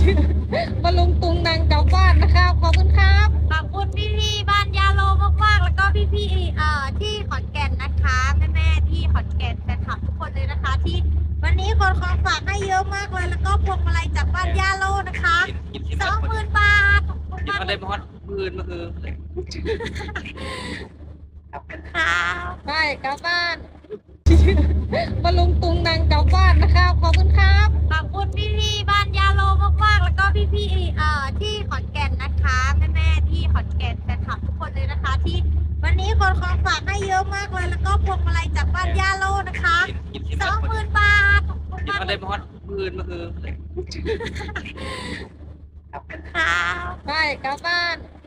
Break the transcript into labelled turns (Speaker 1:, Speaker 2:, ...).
Speaker 1: มาลุงตุงนางกลับบ้านนะครับขอบคุณครับ
Speaker 2: ขอบคุณพี่ๆบ้านยาโลมากๆแล้วก็พี่ๆที่ขอนแก่นนะคะแม่ๆที่ขอนแก่นแฟนคลับทุกคนเลยนะคะที่วันนี้คนของฝากให้เยอะมากเลยแล้วก็พวงมาลัยจากบ้านยาโลนะคะ20,000 บาทขอบคุณ
Speaker 3: กิน
Speaker 2: มาก
Speaker 3: มาได้มอดมื่นมาคือ
Speaker 2: ขอบคุณค่ะ
Speaker 1: ไปกลับบ้าน มาลุงตุงนางกลับบ้านนะครับขอบคุณครับ
Speaker 2: ขอบคุณพี่ๆบ้านยาโลมากๆแล้วก็พี่ๆที่ขอนแก่นนะคะแม่ๆที่ขอนแก่นแฟนคลับทุกคนเลยนะคะที่วันนี้คนของฝากให้เยอะมากเลยแล้วก็พวงมาลัยจากบ้านยาโลนะคะ20,000 บาทขอบคุณ
Speaker 3: กิน
Speaker 2: มาก
Speaker 3: มาได้มอดมื่นมาคือ
Speaker 2: ขอบคุณค่ะ
Speaker 1: ไปกลับบ้าน